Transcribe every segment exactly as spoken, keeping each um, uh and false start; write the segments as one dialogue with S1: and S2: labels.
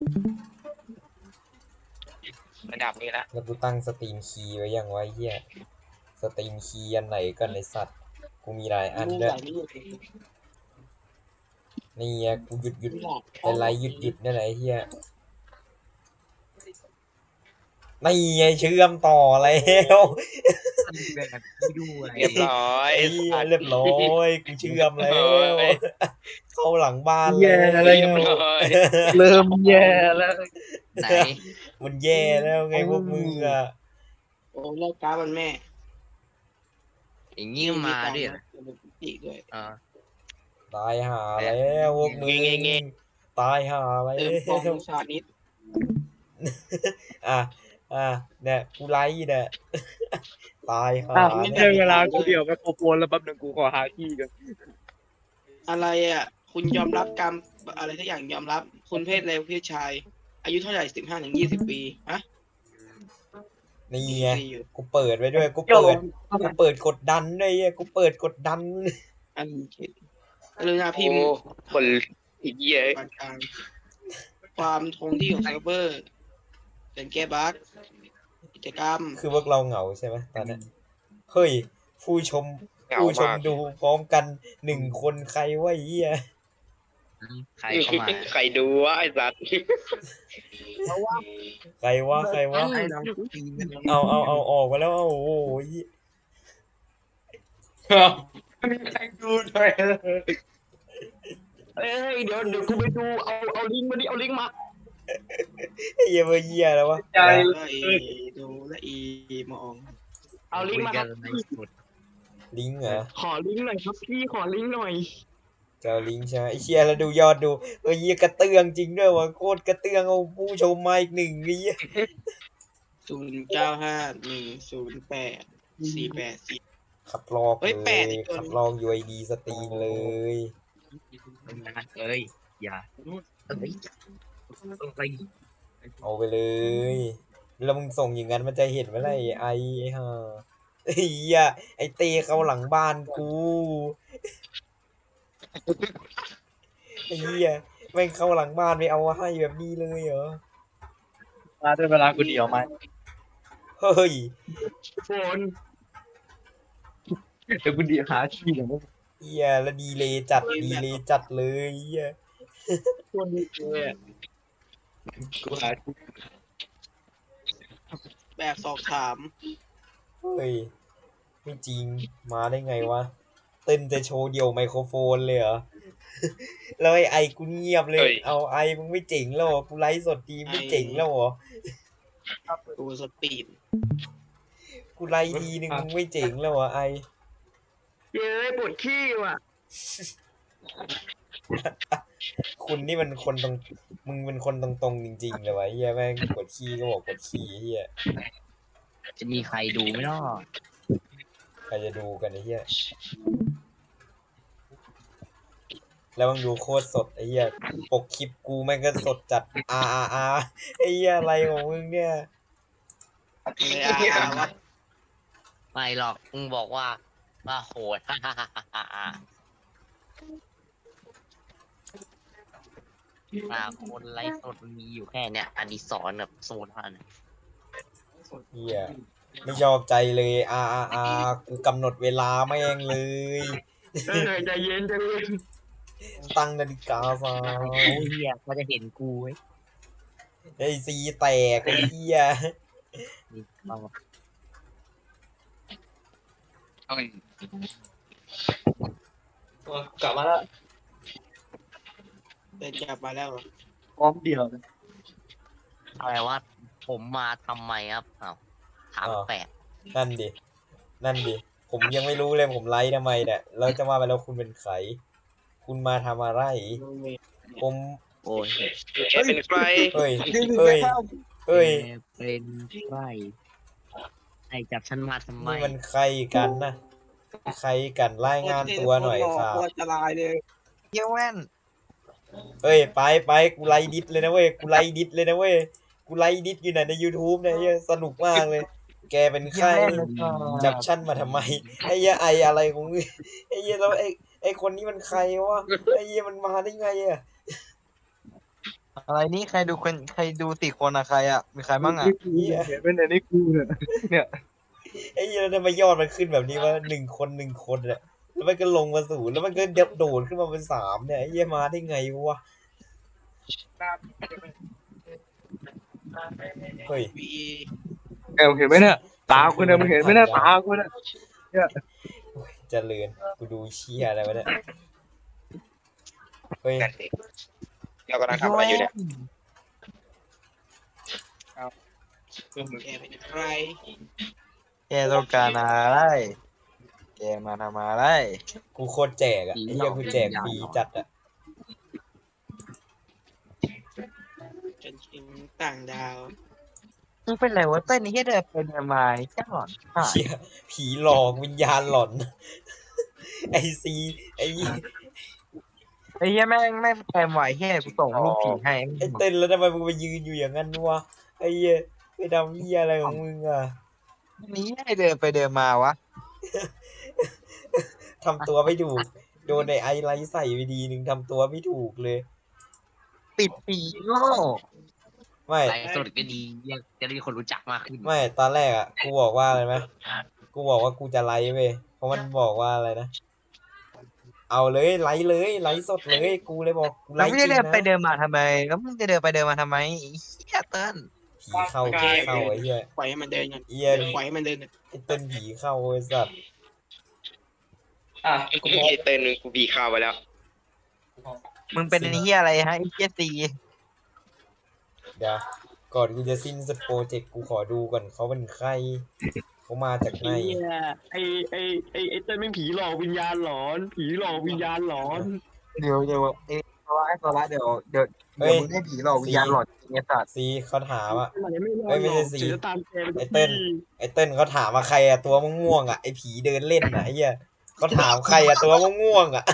S1: ระดับนี้ละ
S2: แล้วกูตั้งสตรีมคีย์ไว้ยังไว้เฮียสตรีมคีย์อันไหนกันในสัตว์กูมีหลายอันด้วยนี่ไงกูหยุดหยุดไลฟ์หยุดหยุดนี่แหละไอ้เฮียนี่ไงเชื่อมต่อแล้ว
S1: เรียบร้อย
S2: ไอ้เหี้ยเรียบร้อยกูเชื่อมแล้วเข้าหลังบ้านแล้
S3: แย่อะไร
S1: เรียบ
S2: ว
S1: ร้อย
S3: เริ่มแย่แล้ว
S4: ไหน
S2: มันแย่แล้วไงพวกมึงอ่ะ
S5: โอ้เลิกการมันแม่
S4: อย่างงี้มาด้วยเหรอ
S5: อีกด้วย
S4: อ่า
S2: ตายหาแล้วพวกมึงตายหาแล้
S5: เติมฟอง
S2: ว
S5: ชานิด
S2: อ่ะอ่ะเนี่ยกูไลฟ์เนี่ยตายหา
S3: อ้าว
S2: เนี่
S3: ได้
S2: ย
S3: เวลากูเดี่ยวไมโครโฟนแล้วแป๊บนึงกูขอหาที่กัน
S5: อะไรอ่ะ คุณยอมรับกรรมอะไรทุกอย่างยอมรับ คุณเพศอะไรเพศชาย อายุเท่าไหร่สิบห้าถึงยี่สิบปีฮะ
S2: นี่ไง
S5: อยู่
S2: กูเปิดไว้ด้วยกูเปิดกูเปิดกดดันด้วยไอ้กูเปิดกดดัน
S5: อันคิดกรุณาพิ
S1: โอ้
S5: มพ์
S1: คนอีกเหี้ย
S5: ปานกลางความคงที่ของเซิร์ฟเวอร์เป็นแก้บั๊กกิจกรรม
S2: คือพวกเราเหงาใช่ไหมตอนนี้เฮ้ยผู้ชม
S1: เหงา
S2: ผู้ชม
S1: มาก
S2: ดูพร้อมกันหนึ่งคนใครวะไอ้เหี้ย
S4: ใครเข้ามา
S1: ใครดูวะไอ้สัตว์
S2: ใครวะใครวะ
S4: ให้เราปีน
S2: เอาเอาเอาออกมาแล้วเอาโอ้โหเหี้ย
S3: มีใครดูด้วยเอ้ยเดี๋ยวเดี๋ยวกูไปดูเอาเอาลิงก์มาดิเอาลิงก์มา
S2: ไอ้เหี้ยเบอร์เหี้ยแล้ววะ
S3: ใจ
S5: และอีดูและอีมอง
S3: เอาลิงก์มาค
S4: กั
S3: รั
S4: น
S3: บ
S4: ในสุด
S2: ลิงก์เหรอ
S3: ขอลิงก์หน่อยครับพี่ขอลิงก์หน่อย
S2: จะเอาลิงก์ใช่ไหมไอ้เชี่ยแล้วดูยอดดูเออเหี้ยกระเตื้องจริงด้วยวะโคตรกระเตื้องเอาผู้ชมมาอีกหนึ่งไอ้เหี้ย
S5: ศูนย์เก้าห้าหนึ่งศูนย์แปดสี่แปดสี่
S2: ขับลอก
S5: เฮ้
S2: เลย
S5: แปดอีกตัวหนึ่ง
S2: ขับลอกยูไอดีสตรีมเลย
S4: เอ้ยอย่าเอ้ยต้องไป
S2: เอาไปเลยแล้วมึงส่งอย่างนั้นมันจะเห็นไหมล่ะไอ้ไอ้ห่าไอ้เหี้ยไอ้เต้เข้าหลังบ้านกูไอ้เหี้ยแม่งเข้าหลังบ้านไปเอาให้แบบนี้เลยเหรอ
S3: มาได้เวลากูเดี่ยวไหม
S2: เฮ้ย
S3: โฟนเดี๋ยวกูเดี่ยวหาที่เดี๋ยว
S2: เหี้ยแล้วดีเลยจัดดีเลยจัดเลยเหี้ย
S3: โฟนดีเลยกูหาที่
S5: แบบสอบถาม
S2: เฮ้ยไม่จริงมาได้ไงวะเต้นจะโชว์เดี่ยวไมโครโฟนเลยเหรอ แล้วไอ้ไอกูเงียบเลย เอาไอมึงไม่เจ๋งแล้วเหรอกูไลฟ์สดดีไม่เจ๋งแล้วเหรอ
S5: ดูสปีด
S2: กูไลฟ์ทีนึงมึงไม่เจ๋งแล้วเหรอไอ
S3: เย้ปวดขี้ว่ะ
S2: คุณนี่มันคนตรงมึงเป็นคนตรงๆจริงๆเลยวะเฮียแม่งกดขี้ก็บอกกดขี้เฮีย
S4: จะมีใครดูไหมเนาะ
S2: ใครจะดูกันไอ้เฮียแล้วมึงดูโคตรสดไอ้เฮียปกคลิปกูแม่งก็สดจัดอาอาอาไอ้เฮียอะไรของมึงเนี่ย
S5: เลยอ่ะว่า
S4: ไม่หรอกมึงบอกว่าว่าโหด ฮ่าฮ่าฮ่าฮ่าฮ่ามาคนไลฟ์สดมันมีอยู่แค่เนี้ยอดิศรกับโซนเท่านั้น
S2: เฮียไม่ชอบใจเลยอาอาอากูกำหนดเวลาแม่งเลย
S3: เออใจเย็นใจเย็น
S2: ตั้งนาฬิกาซะ
S4: โอ้ยเฮียเขาจะเห็นกูเว้ย
S2: ไอ้ซีแตกไอ้เฮีย
S4: นี่เอา
S3: กลับมาแล้ว
S5: เดินจับมาแล้วเหรอ
S3: พร้อมเดี่ยวเลย
S4: อะไรว่าผมมาทำไมครับอ้าวถามแปลก
S2: นั่นดินั่นดิผมยังไม่รู้เลยผมไลฟ์ทำไมเนี่ยแล้วจะว่าไปแล้วคุณเป็นใครคุณมาทำอะไรผม
S4: โอ้ย
S1: แกเป็นใคร
S2: เฮ้ยเฮ้ยเฮ้ย
S4: แกเป็นใครไอจับฉันมาทำไม
S2: นี่มันใครกันนะใครกันรายงานตัวหน่อยครับ
S5: โคตรจะลายเลย
S4: เยี่ยแว่น
S2: เฮ้ยไปไปกูไลฟ์ดิสเลยนะเว้ยกูไลฟ์ดิสเลยนะเว้ยกูไลฟ์ดิสอยู่ไหนใน YouTube เนี่ยเหี้ยสนุกมากเลย แกเป็นใครจับฉันมาทำไมไอ้เหี้ยไออะไรของมึงไอ้เหี้ยแล้วไอ้ไอ้คนนี้มันใครวะไอ้เหี้ยมันมาได้ไงอะ
S3: อะไรนี่ใครดูคนใครดูติคนอะใครอะมีใครบ้างอะ
S2: เหี้ย
S3: เห็นเป็นในนี่กูเนี่ยเนี่ย
S2: ไอ้เหี้ยแล้วทำไมยอดมันขึ้นแบบนี้วะหนึ่งคนหนึ่งคนอะแล้วมันก็ลงมาศูนย์แล้วมันก็โดดขึ้นมาเป็นสามเนี่ยไอ้เหี้ยมาได้ไงวะเฮ้ย
S5: วี
S3: เออเห็นไหมเนี่ยตาคุณเนี่ยมึงเห็นไหมเนี่ยตาคุณเนี่ย
S2: เจริญกูดูเชี่ยอะไรวะเนี่ยเฮ้ย
S1: นั่นเองเรากำลังทำอะไรอยู่เนี่ย
S5: แกเป็นใคร
S3: แกต้องการอะไรแกมาทำอะไร
S2: กูโคตรแจกอะไอ้เหี้ยกูแจกฟรีจัดอะ
S5: เป็นชิมต่างดาว
S3: มึงเป็นไรวะเต้นนี่เดินเป็นทำไมแค่หลอน
S2: เชี่ยผีหลอกวิญญาณหลอน ไอซีไอ
S3: ไอ้เหี้ยแม่งแม่งแคมไหวเหี้ยกูส่งรูปผีให้
S2: ไอเต้นแล้วทำไมมึงไปยืนอยู่อย่างนั้นวะไอเหี้ยไปดำเหี้ยอะไรของมึงอะ
S3: นี่ให้เดินไปเดินมาวะ
S2: ทำตัวไม่ถูกโดนในไอไลท์ใส่ไปดีหนึ่งทำตัวไม่ถูกเลย
S3: ปิดปีโง่
S2: ไม่
S4: ไลฟ์สดก็ดีจะได้มีคนรู้จักมากขึ้น
S2: ไม่ตอนแรกอะกูบอกว่าอะไรไหมกูบอกว่ากูจะไลฟ์เว้ยเพราะมันบอกว่าอะไรนะเอาเลยไลฟ์เลยไลฟ์สดเลยกูเลยบอกกูไล
S3: แล้ว
S2: ฟ์
S3: ไม่
S2: จริ
S3: ได้
S2: ง
S3: เดินไป
S2: นะ
S3: เดินมาทำไมแล้วมึงจะเดินไปเดินมาทำไมไอ้เหี้ยเติ้ล
S2: ผีเข้าผีเข้าไอ้เหี้ย
S5: ปล่อยให้มันเดินกัน
S2: เหี้ย
S5: ปล่อยให้มันเดินกัน
S2: ไอ้เต้นผีเข้าไอ้สัตว์
S3: อ่ะ
S1: ไอ้เต้นมึงกูบีข้าวไปแล้ว
S3: มึงเป็นไอ้เหี้ยอะไรฮะไอ้เหี้ยตี
S2: เดี๋ยวก่อนกูจะสิ้นสโปรเจกต์กูขอดูก่อนเขาเป็นใครเขามาจากไหน
S6: ไอ้ไอ้ไอ้ไอ้เต้นไม่ผีหลอกวิญญาณหลอน ผีหลอกวิญญาณหลอน
S3: เดี๋ยวเดี๋ยวเอ้ยโซล่าโซล่าเดี๋ยวเดี๋ยวเดี๋ยวมึงได้ผีหลอกวิญญาณหลอนจริงไอ้สัตว์
S2: ซีเขาถามอะ
S6: ไหนไม่หลอก
S2: เอ้ยไม่ใช่สิ
S6: เดี๋ยวจะตามแกไป
S2: ไอ้เต้น ไอ้เต้นเขาถามว่าใครอะตัวม่วงๆอะไอ้ผีเดินเล่นอะไอ้เหี้ยเขาถามใครอะตัวม่วงๆอะ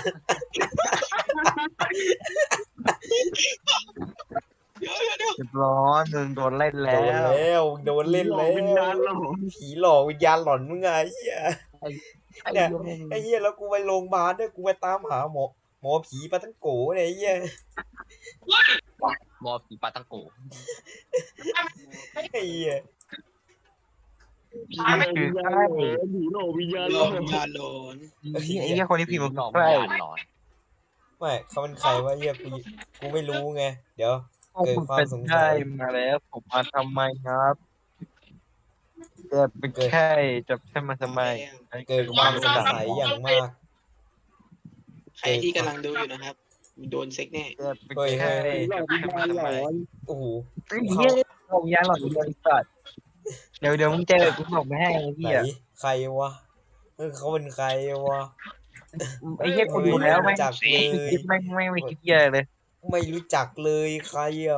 S5: เดี๋ยวเดี๋ยวเดี๋ยว
S3: เรียบร้อยมึงโดนเล่น
S2: โด
S3: แล้
S2: น
S3: ว
S2: แล้วโดนเล่น
S6: ผีหล
S2: แล้
S6: อกวิญญาณ
S2: ว
S6: หลอน
S2: ผีหลอกวิญญาณหลอนมึงไงไอ้เหี้ย เนี่ยไอ้เหี้ยแล้วกูไปโรงพยาบาลด้วยกูไปตามหาหมอหมอผีปาตั้งโกเนี่ยไอ้เหี้ย
S4: บอผีปาตังโก
S2: ไอ้เหี้ย
S6: ผีหลอกวิญญาณหลอนผีหลอกวิญญาณ
S5: ห
S6: ห
S5: ล
S6: ล
S5: อ
S6: อก น
S5: วิญญาณหลอน
S3: ไอ้เหี้ยไอ้เหี้ยคนที่พิมพ์
S4: หล
S3: มัน
S4: อก
S3: ใค
S4: วิ
S3: ร
S4: ญญาณหลอน
S2: ไม่เขาเป็นใครวะเหี้ยกูกูไม่รู้ไงเดี๋ยว
S3: พวกมึงเป็นใครมาแล้วผมมาทำไมครับเกิดเป็นแค่จับฉันมาทำไม
S2: เกิดความสงสัยอย่างมาก
S5: ใครที่กำลังดูอยู่นะครับโดนเซ็กแน่
S3: เกิดเป็น
S2: เฮ้ย
S3: แค่
S2: เฮ้ย
S6: ผีหลอกวิญญาณหลอน
S2: โอ้โห
S3: ไอ้เหี้ยผมยาหลอดเดียวสัตว์เดี๋ยวเดี๋ยวมึงเจอกูส่งไปให้ไอ้
S2: ไหน
S3: เหี้ย
S2: ใครวะเออเขาเป็นใครวะ
S3: ไอ้เหี้ยกูดูแล้วแม่ง
S2: จักเลย
S3: คิดแม่งไม่ไม่คิดเหี้ยเลย
S2: ไม่รู้จักเลยใครอ่ะ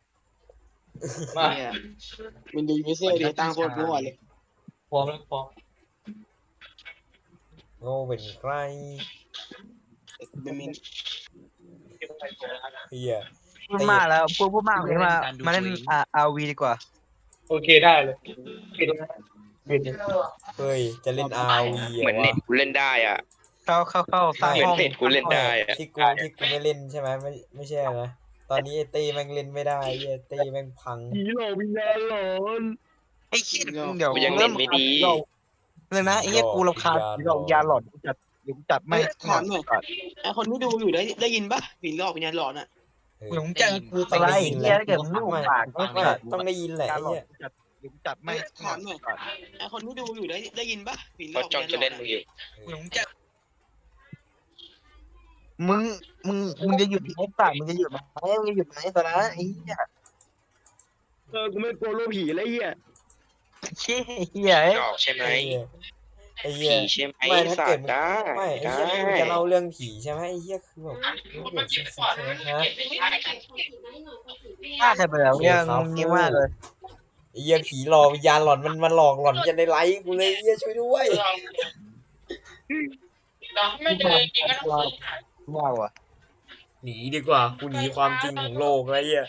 S5: เนี่ยมันดูยูเซอร์ดีตั้งโคตรมั่วเลย
S3: พร้อมแล้วพร้อม
S2: เขาเป็นใคร
S5: มันมี
S2: เหี้ย
S3: พูดมากแล้วพูดพูดมากเลยมามาเล่นอาอาวีดีกว่า
S6: โอเคได้เลย
S2: เฮ้ยจะเล่น อาร์ วี
S1: เหมือน
S2: วะ
S1: เน็ตกูเล่นได้อ่ะ
S3: เข้าเข้าเข้าสร้าง
S1: เหมือน
S3: ห้อง
S1: เน็ตกูเล่นได้อ่ะ
S2: ที่กูที่กูไม่เล่นใช่ไหมไม่ไม่ใช่นะตอนนี้ไอ้เต้แม่งเล่นไม่ได้ไอ้เหี้ยเต้แม่งพัง
S6: ผีหลอกวิญญาณหลอน
S3: ไอ้เหี้ยเดี๋ยว
S1: กูยังเล่นไม่ดี
S3: เลยนะไอ้เหี้ยกูรำคาญผีหลอกยาหลอดกูจัดเดี๋ยวกูจัดไม่
S5: ถามหน่อยไอคนที่ดูอยู่ได้ได้ยินปะผีหลอกวิญญาณหลอนอ่ะ
S2: เออ
S3: หลงจังกูสไลด์ไอ้เหี้ยถ้าเกิดมึงไม่หุบปาก
S2: ไม่
S3: ก็
S2: ไม่ต้องได้ยินแหละ
S3: ยา
S2: ไอ้
S3: หลอด
S2: เหี้ย
S3: กูจัดเดี๋ยวกูจัดไม่
S5: ถามหน่อยไอคนที่ดูอยู่ได้ได้ยินปะผีหล
S1: เขา
S5: อก
S1: จ้อง
S5: วิญ
S1: จะ
S5: ญาณหล
S1: เล่
S5: อน น
S1: มึงอยู่
S3: หลงจังมึงมึงมึงจะหยุดไอ้ปากมึงจะหยุดไหมมึงจะหยุดไหมตอนนั้นไอ้เหี้ย
S6: เออกูไม่กลัวรูปผีแล้วไอ้เหี้ย
S3: เชี่ยเหี้ย
S1: หลอกใช่ไหม
S2: ไอ้เหี้ยไอ้เหี้ย
S1: ผีใช่ไหม
S2: ไม่ถ้า
S1: สั
S2: เกิ
S1: ต
S2: ด
S1: ว์ได้
S2: ไม่ไอ้
S1: ได้
S2: เหี้ยมึงจะเล่าเรื่องผีใช่ไหมไอ้เหี้ยคือแบบเรื่องเซ็กซ์นะ
S3: ฆ่าใครไปแล้วเนี่ยงงงี้มากเลย
S2: ไอ้เหี้ยผีหลอกวิญญาณหลอนมันมันหลอกหลอนจะในไลฟ์กูเลยไอ้เหี้ยช่วยด้วย
S3: ว้าวอ่ะ
S2: หนีดีกว่ากูหนีความจริงของโลกแล้วไอ้เหี้ย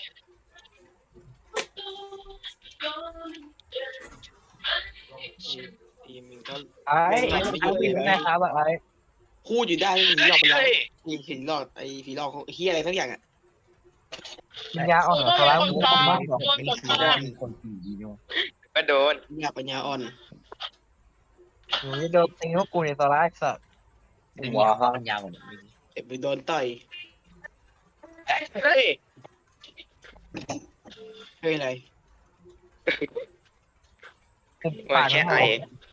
S5: ทีมมึงก็
S3: ไอ้ไอ้ไอ้พี่เป็นไงครับไอ้
S5: พูดอยู่ได้ผีหลอกไปแล้วผีผีหลอกไอผีหลอกเฮียอะไรทั้งอย่างอ่ะ
S3: วิญญาณอ่อนเหรอตัวร้ายมึงทำบ้างเหรอ
S4: นี่คือได้มีคนผีอยู่
S1: ก็โดน
S5: อยากปัญญาอ่อน
S3: หนูจะโดนตีพวกกูในตัวร้ายสัตว์
S4: ไม่มีความปัญญาเหมือน
S5: เจ็บไปโดนต่อย
S1: เฮ้ย
S5: เฮ้ยอะไร
S3: กู
S1: มั
S3: ปาน ด
S1: แค่
S3: มัน
S1: ไอ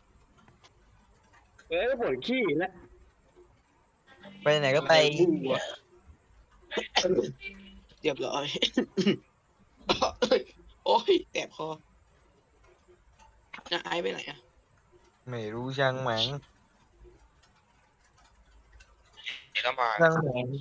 S6: เออปวดขี้แล้ว
S3: ไปไหนก็ไป
S5: เรียบร้อย โอ้ยแสบคอน้าไอซ์ไปไหนอะ
S3: ไม่รู้ช่างแหมง
S1: เดี๋ยวก็มา
S3: ช่างแหมง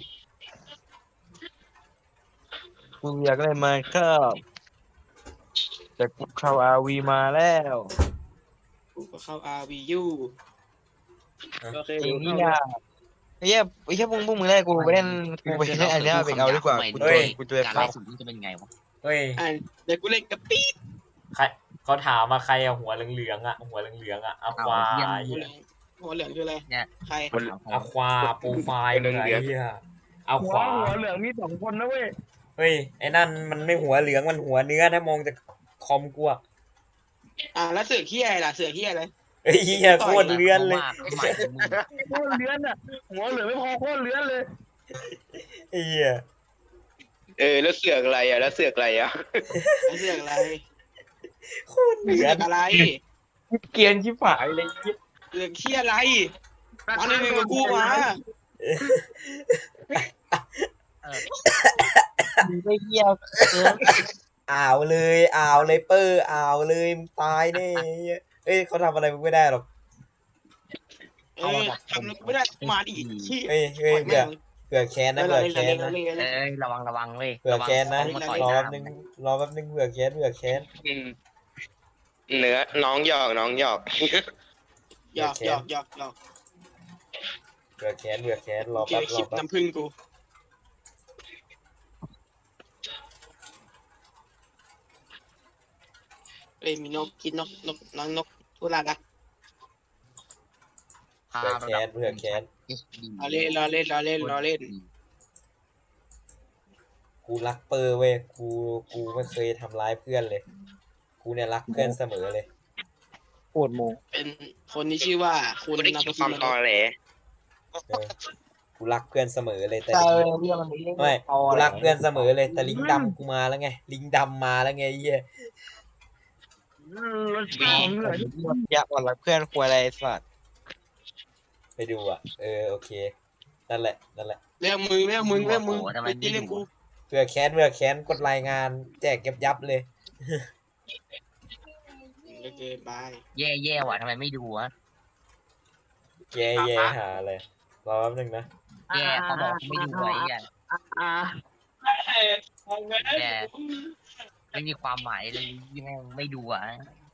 S3: กูอยากเล่นมาครับแต่กูเข้าอาวีมาแล้ว
S5: กูก็เข้า อาร์ วี ยู
S6: โอเค
S3: จริ
S6: เดี๋
S3: ง
S6: ยว
S3: นี่
S6: เข้า
S3: นะไอ้เหี้ยไอ้เหี้ยมึงพวกมึงได้กูไปเล่นกูไปเล่นอันเนี้ยไปเอาดีกว่ากูตัวกูตัว
S4: การ
S3: เข้า
S4: ไล่สุดนี่จะเป็นไงวะ
S2: เฮ้ย
S5: อ่ะเดี๋ยวกูเล่นกับปี๊ด
S2: ใครเขาถามมาใครอะหัวเหลืองๆอะหัวเหลืองๆอะอะควา
S5: หัวเหลืองหัวเหลืองคืออะไร
S4: เนี่ย
S5: ใคร
S2: อะควาโปรไฟล์มึงไอ้เหี้ยเอา
S6: หั
S2: ข
S6: ว
S2: วา
S6: หัวเหลืองมีสองคนนะเว้ย
S2: เฮ้ยไอ้นั่นมันไม่หัวเหลืองมันหัวเนื้อถ้ามองจากคอมกูอะ
S5: อ่ะแล้วเสือขี้อะไรล่ะเสือขี้อะไร
S2: เฮ้ยเหี้ยโคตรเลื้อนเลย
S4: ว่าหมายถึงมึง
S6: โคตรเลื้อนอ่ะหัวเหลืองไม่พอโคตรเลื้อนเลย
S2: ไอ้เหี้ย
S1: เออแล้วเสือกอะไรอ่ะแล้วเสือกอะไรอ่ะ
S5: แล้วเสือกอะไร
S2: โคตรเลื้
S5: เสื
S2: อ
S5: อน กอะไร
S3: เกรียนชิบหายเลย
S5: เสือกขี้อะไรมาเลยมึงกับกูมา
S3: มึงไม่เหี้ยเกิน
S2: อ่าวเลยอ่าวเลยเปอร์อ่าวเลยมึงตายแน่ไอ้เหี้ยเอ้ยเขาทำอะไรมึงไม่ได้หรอก
S5: เออทำแล้วกูไม่ได้มาดิขี้
S2: เฮ้ยเฮ้ยเผื่อเผื่อแค้นนะ
S5: เรา
S2: เผื่อ
S5: เล่นเรา
S2: แค้
S5: เล่
S2: น
S5: นเรา
S2: นะ
S5: เล่นเราเล่น
S4: เอ้ยระวังระวังเว้ย
S2: เผื่อแค้นนะ
S4: ระวัง
S2: รอแป๊บนึงรอแป๊บนึงเผื่อแค้นเผื่อแค้น
S1: อืมเนื้อน้องหยอกน้องหยอก
S5: หยอกหยอกหยอกหยอก
S2: เผื่อแค้นเผื่อแค้นรอ
S5: เกี่ย
S2: แป๊
S5: ว
S2: บร
S5: คลิป
S2: อแป๊บ
S5: น้ำผึ้งกูเอ้ยมีนกกินนกนกน้องนกทุลาดัก
S4: พา
S2: เผื่อแค้นเผื่อแค้น
S5: รอเล่นรอเล่นรอเล่นรอเล่น
S2: กูรักเปอร์เว้ยกูกูไม่เคยทำร้ายเพื่อนเลย กูเนี่ยรักเพื่อนเสมอเลย
S3: ปวดโมง
S5: เป็นคนที่ชื่อว่าคุณ
S1: กูได้
S5: นา
S1: กิ
S5: ต
S1: นความตอแหล
S2: เออกูรักเพื่อนเสมอเลยแต่
S3: ใช่
S2: ลิง
S3: เรื่องมันเรื่อง
S2: ไม่กูรักเพื่อนเสมอเลยแต่ลิงดำกูมาแล้วไงลิงดำมาแล้วไงไอ้เหี้ย
S6: รสชาติของเหลือง
S3: อยากอ่อนรักเพื่อนควรอะไรสัตว์
S2: ไปดูอ่ะเออโอเคนั่นแหละนั่นแหละ
S5: เรื่องมึงเรื่องมึงเรื่องมึง
S4: ทำไม
S5: ไม่
S4: ไม่
S5: ใช่เรื่อง
S4: ดู
S5: กู
S2: เผื่อแค้นเผื่อแค้นกดรายงานแจกเก็บยับเลย
S5: โอเคบาย
S4: แย่แย่ว่ะทำไมไม่ดูวะ
S2: แย่แย่หาเลยรอแป๊บนึงนะ
S4: แย่เขาบอกไม่ดูไว้แย่
S6: อ่า
S4: แย่ไม่มีความหมายเลยยังไงไม่ดูอ่ะ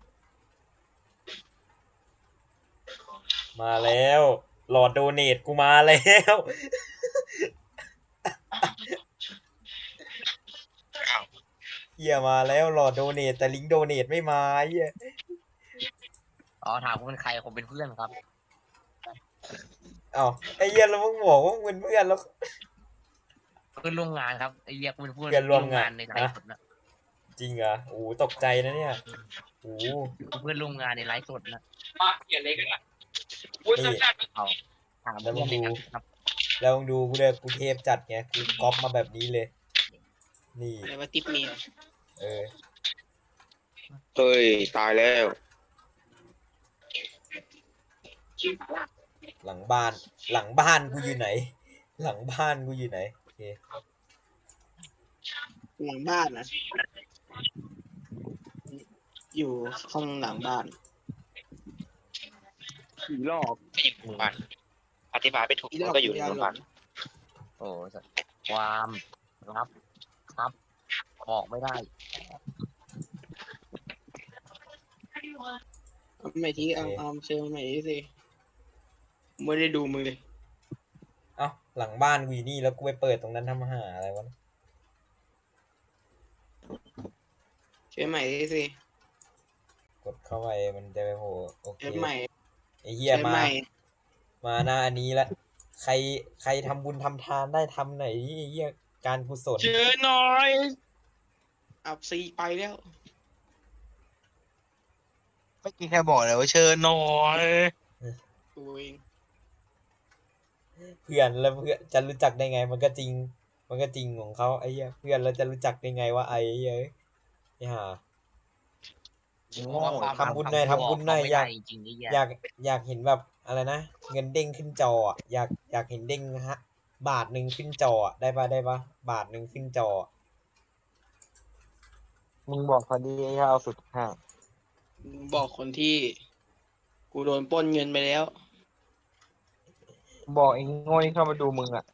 S2: มาแล้วหลอดโดเนทกูมาแล้ว เหี้ยมาแล้วหลอดโดเนทแต่ลิงก์โดเนทไม่มาเหี้ย
S4: อ๋อถามผมเป็นใครผมเป็นเพื่อนครับ
S2: อ้าวไอ้เหี้ยแล้วมึงบอกว่ามึงเป็นเพื่อนแล้ว
S4: เพื่อนร่วมงานครับไอ้เรียกเป็นเพื่อน
S2: เพื่อนร่วมงาน
S4: ในไลฟ์สดนะ
S2: จริงเหรอโอ้โหตกใจนะเนี่ยโอ้โห
S4: เพื่อนร่วมงานในไลฟ์สดนะ
S2: นี่
S4: เอาถามเพื่อนเลยครับ
S2: แล้วมึงดูกูเลยกูเทพจัดไงกูก๊อปมาแบบนี้เลย นี่
S5: อะไรว่าติ๊บเมีย
S2: เออ
S1: เฮ้ยตายแล้ว
S2: หลังบ้าน หลังบ้านกูอยู่ไหน หลังบ้านกูอยู่ไหนโอเค
S5: หลังบ้านนะอยู่ห้องหลังบ้าน
S6: ผีหลอก
S1: ไม่อยู่โรงพยาบาลอธิบายไปถูกมันก็อยู่ในโรงพยาบาล
S4: โอ้ความลับครับบอกไม่ได้
S5: เอาใหม่ทีเอาเอาเชิญใหม่ทีสิไม่ได้ดูมึงเลย
S2: เอ้าหลังบ้านกูอยู่นี่แล้วกูไปเปิดตรงนั้นทำหาอะไรวะ
S5: เชิญใหม่ทีสิ
S2: กดเข้าไปมันจะไปโผล่โอเค
S5: เชิญใหม่
S2: ไอ้เหี้ย
S5: เชิญ
S2: มา
S5: ใหม่
S2: มาหน้าอันนี้ละใครใครทำบุญทำทานได้ทำไหนอยดิไอ้เหี้ยการกุศล
S5: เจอหน่อยอับซีไปแล้ว
S3: เมื่อกี้แค่บอกเลยว่าเชิญหน่อย
S5: กูเอง
S2: เพื่อนแล้วเพื่อนจะรู้จักได้ไง มันก็จริง มันก็จริงของเขาไอ้เหี้ยเพื่อนแล้วจะรู้จักได้ไงว่าไอ้เหี้ยไอ้ห่า
S4: เพราะว่าความ
S2: ทำบุญหน่อยทำบุญหน่อย
S4: ไม่
S2: อยา
S4: ได้
S2: ก
S4: จริงๆนี่
S2: อยากอยากเห็นแบบอะไรนะเงินเด้งขึ้นจออะอยากอยากเห็นเด้งฮะ บาทหนึ่งขึ้นจออะได้ปะได้ปะบาทหนึ่งขึ้นจออะ
S3: มึงบอกพอดีไอ้เหี้ยเอาสุดห่าง
S5: บอกคนที่ กูโดนปล้นเงินไปแล้ว
S3: บอกไอ้โง่ที่เข้ามาดูมึงอ่ะ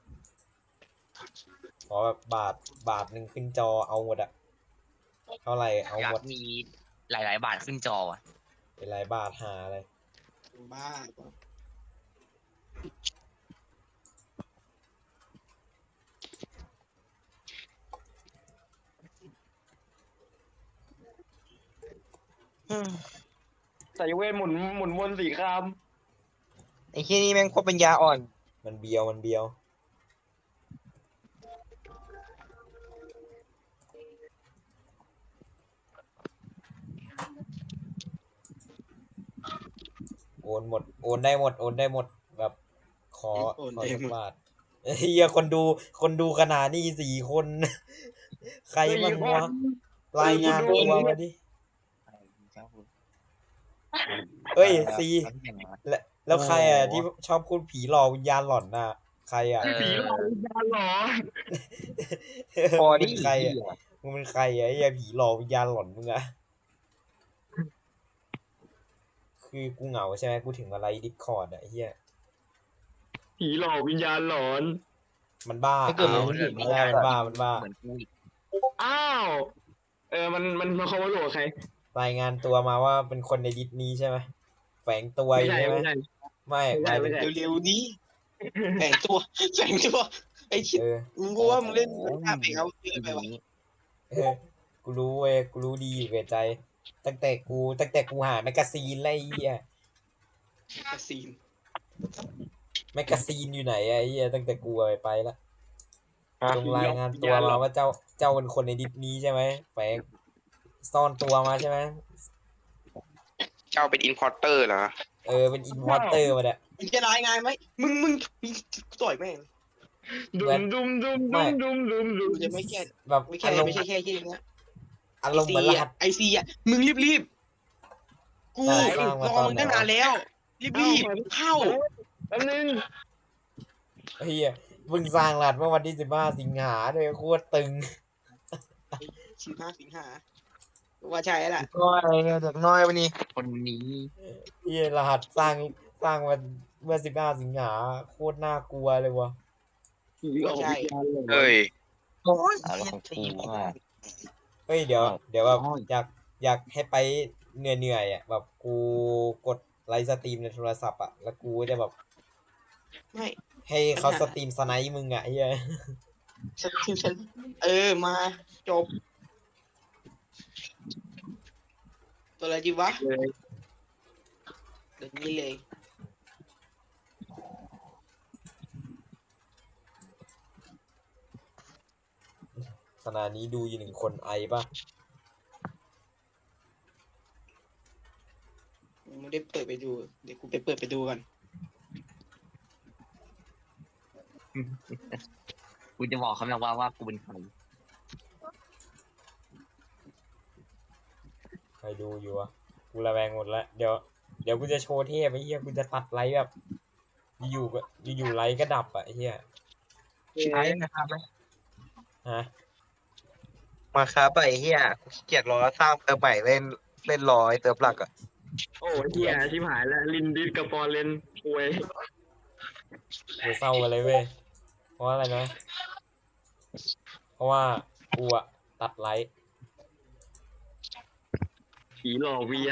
S2: ขอแบบบาทบาทหนึ่งขึ้นจอเอาหมดอะเท่าไหร่เอา
S4: อยา
S2: หม
S4: ก
S2: ด
S4: มีหลาย ๆ บาทขึ้นจออ่ะ
S2: เป็นไรบาทหาอะไร
S5: บ้า
S6: ใส่เวทหมุนหมุนวนสี่ค
S3: ไอ้ที่นี่แม่งโคตรปัญญาอ่อน
S2: มันเบียวมันเบียวโอนหมดโอนได้หมดโอนได้หมดแบบขอขอสักบาทเฮียคนดูคนดูขนาดนี้สี่คน ใคร
S6: ำ
S2: บ้างวะรายงานตัวมาดิเอ้ยซีแล้วแล้วใครอ่ะที่ชอบพูดผีหลอกวิญญาณหลอนน่ะใครอ่ะ
S4: เออ
S6: ผีหลอกวิญญาณหลอน
S3: พอ
S2: มึง
S3: ดิ
S2: เป็นใครอ่ะมึงเป็นใครอ่ะไอ้เหี้ยผีหลอกวิญญาณหลอนมึงอ่ะคือกูเหงาใช่ไหมกูถึงอะไรดิสคอร์ดอ่ะไอ้เหี้ย
S6: ผีหลอกวิญญาณหลอน
S2: มันบ้า
S3: ถ้าเกิด
S2: อ้า
S3: มึ
S2: ว
S3: งเห็น
S2: ไม่ได้มันบ้ามันบ้า
S4: เหมือนกูอีก
S6: อ้าวเออมันมันมันเขามาหลอกใคร
S2: รายงานตัวมาว่าเป็นคนในดิสนี้ใช่ไหมแฝงตัว
S6: ไม่
S2: อยู่
S6: ใช่
S2: ใช่ไหม
S6: ไม่ใช่
S2: ไม่
S6: ไม่
S2: ห
S6: ใช่
S2: มายถึง
S6: ไม่ใช่
S5: เร็วๆนี้แฝงตัวแฝงตัว ไอ้ชิด
S2: เออ
S5: มึงกูว่ามึงเล่นภาพเองเอาเยอะไปวะ
S2: เออกูรู้เว้ยกูรู้ดีอยู่แก่ใจ ตั้งแต่กูตั้งแต่กูหาแมกกาซีนอะไรไอ้เหี้ย
S5: กระซีน
S2: แมกกาซีนอยู่ไหนอะไอ้เหี้ยตั้งแต่กูไปไปละ
S3: อ่ะ
S2: จงรายงานตัวมาว่าเจ้าเจ้าเป็นคนในดิสนี้ใช่ไหมแฝงซ่อนตัวมาใช่ไหม
S1: เจ้าเป็นอินพอร์เตอร์เหรอ
S2: เออเป็นอินพอร์เตอร์มาเนี่ย
S5: มึงจะรายงานไหมมึงมึงมึงต่อยแม่ง
S6: ดุ
S2: เหมือน
S6: มดุมดุม
S2: ไม่
S6: ดุมดุมดุมดุม
S5: กูจะไม่แค่
S2: แบบ
S5: ไม่แค่
S2: อารม
S5: ไม่
S2: ณ์
S5: ใช่แค่ที่นะ
S2: อารมณ์เหมือนรหัส
S5: ไอซีอ่ะมึงรีบรีบกู
S2: ได้สร้างมาร
S5: อ
S2: ตอน
S5: มึง
S2: ไหน
S5: ตั้งนานแล้ว รีบรีบเข้า
S6: แป๊บนึง
S2: เฮียเพิ่งสร้างรหัสเมื่อวันที่สิบห้าสิงหาด้วยโคตรตึง
S5: สิบห้าสิงหาว่าใช่แล้วล่ะ
S3: น้อยเด็กน้อยวันนี้
S4: คนนี้
S2: เฮียรหัสสร้างสร้างวันเมื่อสิบห้าสิงหาโคตรน่ากลัวเลยวะ
S6: ผีหลอกวิญญาณหลอน
S1: เอ้ย
S3: โอ้ย
S4: เอาแล้วของกูว่า
S2: เฮ้ยเดี๋ยวเดี๋ยวแบบ
S4: อ๋อ
S2: อยากอยากให้ไปเหนื่อยเหนื่อยๆอ่ะแบบกูกดไลฟ์สตรีมในโทรศัพท์อ่ะแล้วกูจะแบบ
S5: ไม่
S2: ให้เขาสตรีมสไนป์มึงอ่ะเฮีย
S5: ฉันฉันฉันเออมาจบ ตัวอะไรดีวะ
S6: เลย
S5: เดี๋ยวนี้เลย
S2: ขณะนี้ดูอยู่หนึ่งคนไอป่ะ
S5: ไม่ได้เปิดไปดู เดี๋ยวกูไปเปิดไปดูกัน
S4: กูจะบอกเขาแล้วว่าว่ากูเป็นใคร
S2: ใครดูอยู่อะกูระแวงหมดแล้วเดี๋ยวเดี๋ยวกูจะโชว์เทพไอ้เหี้ยกูจะตัดไลฟ์แบบอยู่ๆก็อยู่ๆไลฟ์ก็ดับอะไอ้เหี้ย
S3: ใช้นะครับไหม
S2: ฮะ
S3: มาครับไอ้เหี้ยกูขี้เกียจรอสร้างเติมใหม่เล่นเล่นรอไอ้เติมหลักอ่ะ
S6: โอ้ยเฮียชิบหายแล้วลินดิสกับฟอร์เรนป่วย
S2: กูเศร้ากันเลยเว้ยเพราะว่าอะไรนะเพราะว่ากูอะตัดไลฟ์
S6: ผีหลอกวิญญาณ